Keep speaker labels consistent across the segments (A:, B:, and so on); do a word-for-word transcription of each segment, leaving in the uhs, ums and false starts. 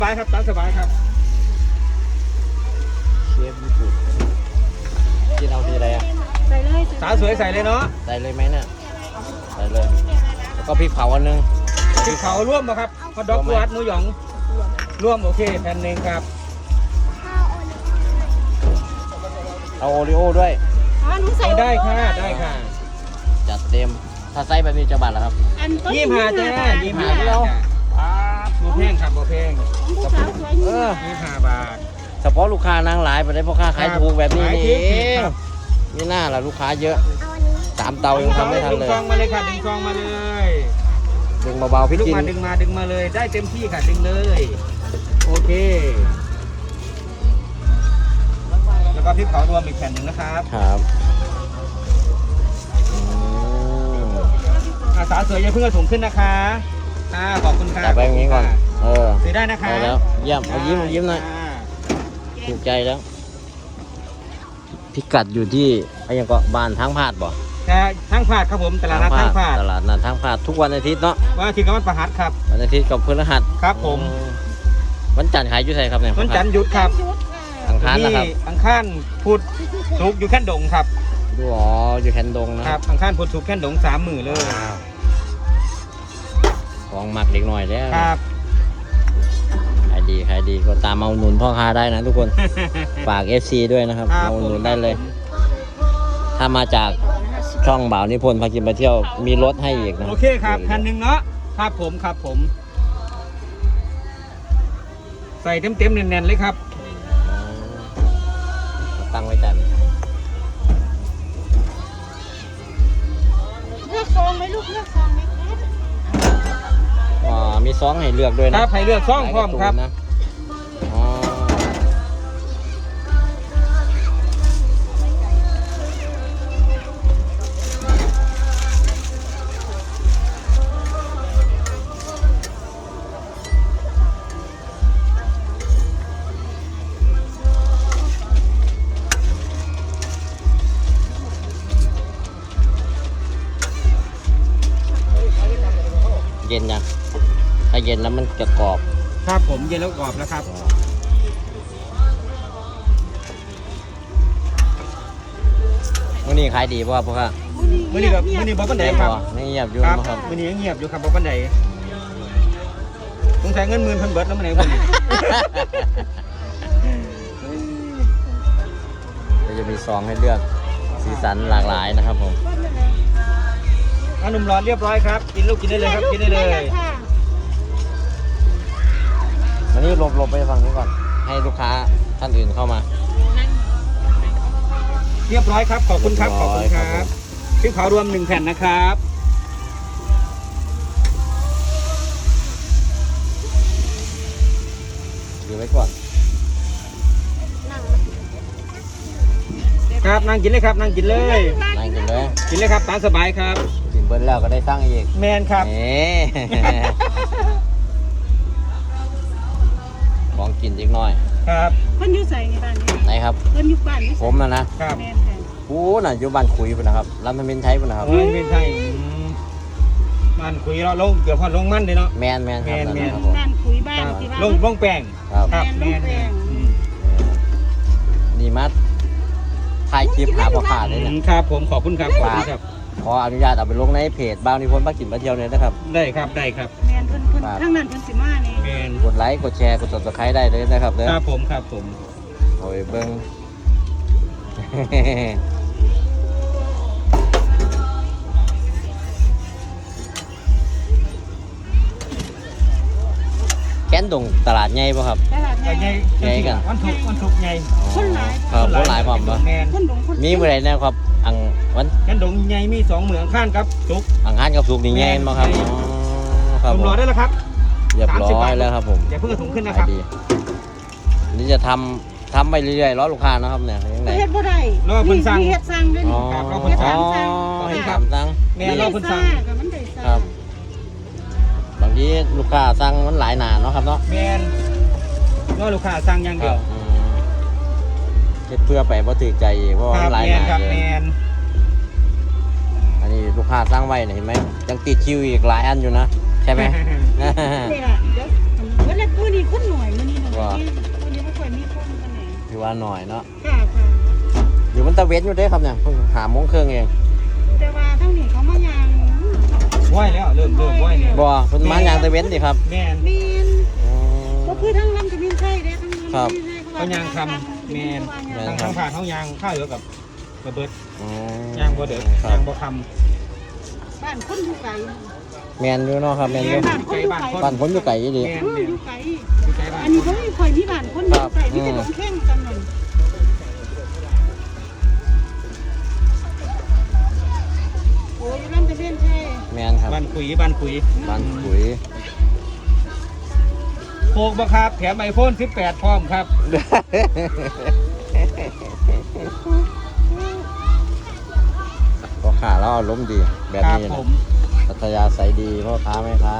A: สบายครับตามสบายครับ
B: เชฟญี่ปุ่นกินเอาทีอะไรอ่ะ
C: ใส่เลย
A: สาวสวยใส่เลยเนาะ
B: ใส่เลยไหมเนี่ยใส่เลยแล้วก็พริกเผาอันนึง
A: พริกเผาร่วมป่ะครับฮอทดอกวัดหมูหยองร่วมโอเคแผ่นหนึ่งครับ
B: เอาโอริโอ้ด้วย
C: อ๋อหนูใส่
A: ได้ค่ะได้ค่ะ
B: จัดเต็มถ้าไซส์แบบนี้จะบาทแล้วครับ
A: ยี่ห้าจ้ายี่ห้าเราโบแพงครับโบแพง
B: เออ
A: ยี่ห้าบาท
B: เฉพาะลูกค้านางหลายไปได้พ่อค้าขายถูกแบบนี้นี่เองมีหน้าล่ะลูกค้าเยอะสามเตายังทำไม่ทันเลย
A: ดึงซองมาเลยค่ะดึงซองมาเลย
B: ดึงเบาๆพี่จิน
A: ดึงมาดึงมาเลยได้เต็มที่ค่ะดึงเลยโอเคแล้วก็พริกเผารวมอีกแผ่นหนึ่งนะครับ
B: ครับ
A: อาสาสวยอย่าเพิ่งเอาถุงขึ้นนะคะอ่าขอบคุณค่ะ
B: จับไปอย่างนี้ก่อนเออ
A: ซื้อได้นะคะ
B: ได้แล้วเยี่ยมเอายิ้มยิ้มหน่อยถูกใจแล้วพิกัดอยู่ที่ไอ้ยังก็บ้านทางพาดบ่
A: แต่ทางพาดครับผมตลาดนัดทางพาด
B: ตลาดนัดทางพาดทุกวันอาทิตย์เนาะ
A: วันอาทิตย์กับวันพฤหัสครับ
B: วันอาทิตย์กับพฤหัส
A: ครับผม
B: วันจันทร์ขายอยู่ไสครับเนี่ย
A: วันจันทร์หยุดครับ
B: อังคารนะครับ
A: อังคารพุธศุกร์อยู่แค่ดงครับ
B: ดูอ๋ออยู่แคนดงนะครับ
A: อังคารพุธศุกร์แค่ดงสามหมื่นเลย
B: ของหมักเด็กหน่อยแล้ว
A: ครับ
B: ขายดีขายดีก็ตามมาอุดหนุนพ่อค้าได้นะทุกคนฝาก เอฟ ซี ด้วยนะครับมาอุดหนุนได้เลยถ้ามาจากช่องบ่าวนิพนธ์พากินไปเที่ยวมีรถให้อีกนะ
A: โอเคครับพันหนึ่งเนาะครับผมครับผมใส่เต็มเต็มแน่นๆเลยครับ
B: ตั้งไว้แต่
C: เลือกซองไหมลูกเลือกซองไหมครับ
B: อ๋อมีซองให้เลือกด้วยนะครับ
A: ให้เลือกซองพร้อมครับ
B: นะอ๋อเย็นยังถ้าเย็นแล้วมันจะกรอบ
A: ครับผมเย็นแล้วกรอบแล้วครับ
B: มื้อนี้ขายดีป่ะครับพ่อครับ
A: มื้อนี้แบบมื้อนี้บ่ปานใดครับ
B: นี่เงียบอยู่
A: ครับมื้อนี้เงียบอยู่ครับบ่ปานใดสงสัยเงินหมื่นเพิ่นเบิดแล้วมื้อนี้พุ่น
B: ก็จะมีซองให้เลือกสีสันหลากหลายนะครับผม
A: ขนมร้อนเรียบร้อยครับกินลูกกินได้เลยครับกินได้เลย
B: วันนี้หลบหลบไปฝั่งนี้ก่อนให้ลูกค้าท่านอื่นเข้ามา
A: เรียบร้อยครับขอบคุณครับขอบคุณครับพริกเผารวมหนึ่งแผ่นนะครับ
B: ดูไว้ก่อน
A: ครับนั่งกินเลยครับนั่งกินเลย
B: นั่งกินเลย
A: กินเลยครับตามสบายครับ
B: กินเบิ้ลแล้วก็ได้ตั้งอีก
A: แมนครับ
B: ของกินอีกหน่อย
A: ครับ
C: เพิ่นอยู่ใส่ในบ้านนี้
B: ไหนครับ
C: เพิ่นอยู่บ้านนี้
B: ผมนะนะครับกูน่ะอยู่บ้านคุยพุ่นนะครับลำธมินไทยพุ่นนะครับ
A: ลำธมินไทยบ้านคุยเราลงเกือบพอดลงมันเลยเนาะ
B: แมนแมนครับ
C: แมนบ้านคุยบ้านที่บ้าน
A: ลงลงแป้ง
B: ครับ
A: แมน
B: นี่มัดถ่ายคลิปหาพ่อค้าเลย
A: นะครับผมขอบคุณครับขอบคุณครับ
B: ขออนุญาตเอาไปลงในเพจบ่าวนิพนธ์พากินมาเที่ยวเลยนะครับ
A: ได้ครับได้ครับ
C: แมนเพิ่นเพิ่นทั้งนั้นเพิ่นสิมานี่
A: แมน
B: กดไลค์กดแชร์กด ซับสไครบ์ ได้เลยนะครับเด้อ
A: ครับผมครับผม
B: โอ้ยเบิ้งแก้นดงตลาดใหญ่ป่ะครับ
C: ตลาดใหญ่
B: ใหญ่กัน
A: วันทุกวันทุกใหญ่
C: คนหลาย
B: ครับคนหลายพร้อมป่ะมีเมื่อไรนะครับอังวัน
A: แก้นดงใหญ่มีสองเหมืองข้างครับสุก
B: อังคารกับสุกนี่ใหญ่ป่ะครับ
A: ครับผมรอได้แล้วครับ
B: เรียบร้อยแล้วครับผม
A: อย่าเพิ่งถุงขึ้นนะครับ
B: นี่จะทำทำไปเรื่อยๆรอลูกค้านะครับเนี่ยยังไง
C: เฮ็ดบ่ได้
A: รอเพิ่นสั่ง
C: เฮ็ดสั่งด้วยนี่
B: ครับรอเพิ่นสั่งเฮ็ดสั่ง
A: แม่รอเพิ่นสั่ง
B: ครับบางทีลูกค้าสั่งมันหลายหนาเนาะครับเนาะ
A: แม่นรอลูกค้าสั่งอย่างเดียว
B: เฮ็ดเพื่อไปบ่ถือใจเพราะว่าหลายหนา
A: เลย
B: อันนี้ลูกค้าสั่งไว้เห็นไหมยังติดคิวอีกหลายอันอยู่นะใช่ไหม
C: นี่แหละเดี๋ยววันแรกมื้อนี้คนหน่อยวันนี้ไม่ค่อยมีคนกันไหน
B: ถือว่าหน่อยเนาะ
C: ค่ะค่ะ
B: อยู่มันตะเวนอยู่เด้ครับเนี่ยเพิ่งหาโมงครึ่งเอง
C: แต่ว่าทั้งนี้เขามายาง
A: ไหวแล้วเริ่มเริ่มไหวเนี่ย
B: บ่เพิ่นมายางตะเวนดิครับ
A: แม่น
C: เมียน
B: อืม
C: ก็คือทั้งลำจะมีใช่เด้ทั้งลำ
B: ครับ
A: เขายางคำแม่น
B: แม่
A: ทางทางผ่านเขายางข้าวเหลือกับกระเบิด
B: อืม
A: ยางบ่เดือด
B: ครั
A: ยา
B: บ
A: งบ่ค
C: บ้านคนอยู่ไกล
B: แมนอยู่เนาะครับแมนอยู่
C: บ้านคนอยู่ไกล
B: บ้านผมอยู่ไกลอีหลี
A: ำแม่น
C: อืม
A: แม่
C: อน ยู่ไกล
A: อยู่ใจบ้าน
C: อันนี้เขาไม่ค่อยมีบ้านคนอยู่ไกลมีแต่ลงแข้งกันนั่นโอ้ยลำจะเล่นใช่
B: แมนครับ
A: บ้านคุยบ้านคุย
B: บ้านขุย
A: โคกบ่ครับแถมไอโฟนสิบแปดพร้อมครับ
B: พ่อค้าเราอารมณ์ดีแบบ
A: ครับ
B: นี้
A: ผ
B: นะ
A: ม
B: พัทยาใสดีพ่อค้าแม่ค้า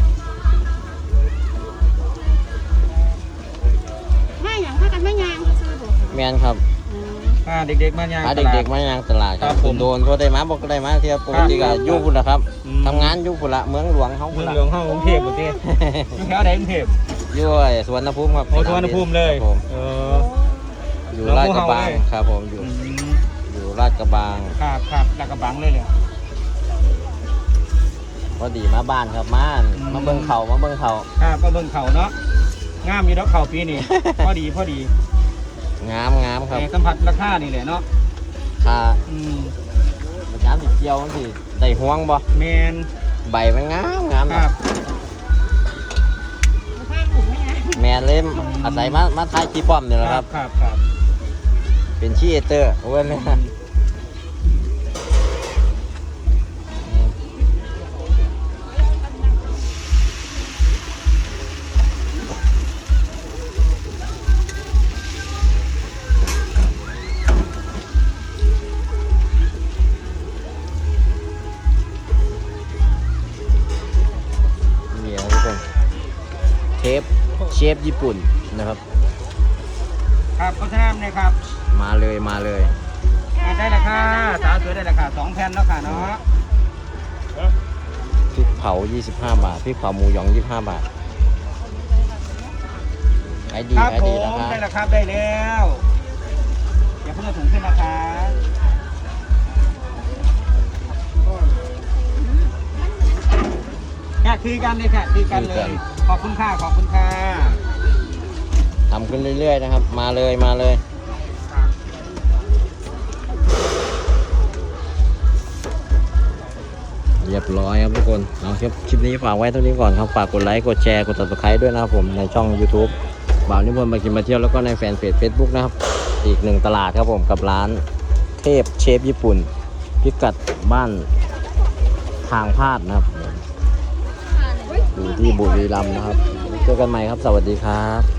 C: ไม่อย่างพากันไม่ยางซื้อบอก
B: แมนครับ
A: อ่าเด็กๆมายาง
B: พา
A: ตลา
B: เด็กๆมายางตลาดค
A: ครั
B: รับบ
A: ผม
B: โดนๆก็ได้มาบอกก็ได้มาเที่ยวปกติก็อยู่พุ่นละครับ
A: อืม
B: ทำงานอยู่พุ่นละเมืองหลวงเขา
A: เมื
B: พุ่
A: อน ง
B: ละ
A: หลวงเฮากรุงเทพบ่เด้อยู่แถวใดกรุงเทพ
B: อยู่ไอ้สวนภูมิครับ
A: โอ้สุวรรณภูมิเลย
B: ครับผม
A: เออ
B: อยู่ลาดกระบังครับผมอยู่
A: อืม
B: อยู่ลาดกระบัง
A: ครับครับลาดกระบังเลยเลย
B: พอดีมาบ้านครับมา
A: อืม
B: มาเบิ่งเขามาเบิ่งเขา
A: ครับก็เบิ่งเขาเนาะงามอยู่ดอกเขาปีนี้ พอดีพอดี
B: งามงามครับ
A: แต่สัมผัสราคานี่แหละเนาะ
B: ค่า
A: อืม
B: มันงามสิเกี่ยวมันสิได้ห่วงบ่
A: แมน
B: ใบมันงามงาม
A: ครับ
C: ผ้าถุงไม่ยาง
B: แมนเล่มอาศัยมามาถ่ายคลิปป้อมนี่แหละครับ
A: ครับครับ
B: เป็นชีเอเตอร์เว้นเลยนะนี่นะทุกคนเชฟเชฟญี่ปุ่นนะครับ
A: ครับโฆษณาเลยครับ
B: มาเลยมาเลย
A: อ่าได้ราคาสาวสวยได้ราคาสองแผ่นแล้วค่ะเนาะ
B: พริกเผา ยี่สิบห้า บาทพริกเผาหมูหยอง ยี่สิบห้า บาทขายดี
A: ครับ
B: ขาย
A: ผ
B: ดี
A: ม
B: นะครับ
A: ได้ราคาได้แล้วอย่าเพิ่งเอาถุงขึ้นนะคะแค่คือกันเลยค่ะคือกันเลย ขอบคุณค่ะขอบคุณค่ะ
B: ทำขึ้นเรื่อยๆนะครับ มาเลยมาเลย เรียบร้อยครับทุกคนเอาคลิปคลิปนี้ฝากไว้เท่านี้ก่อนครับ ฝากกดไลค์ กดแชร์ กด ซับสไครบ์ ด้วยนะครับผม ในช่อง YouTube บ่าวนิพนธ์มากินมาเที่ยวแล้วก็ในแฟนเพจ Facebook นะครับ อีกหนึ่งตลาดครับผมกับร้านเทพเชฟญี่ปุ่น พิกัดบ้านทางพาดนะครับ อยู่ที่บุรีรัมย์นะครับ เจอกันใหม่ครับ สวัสดีครับ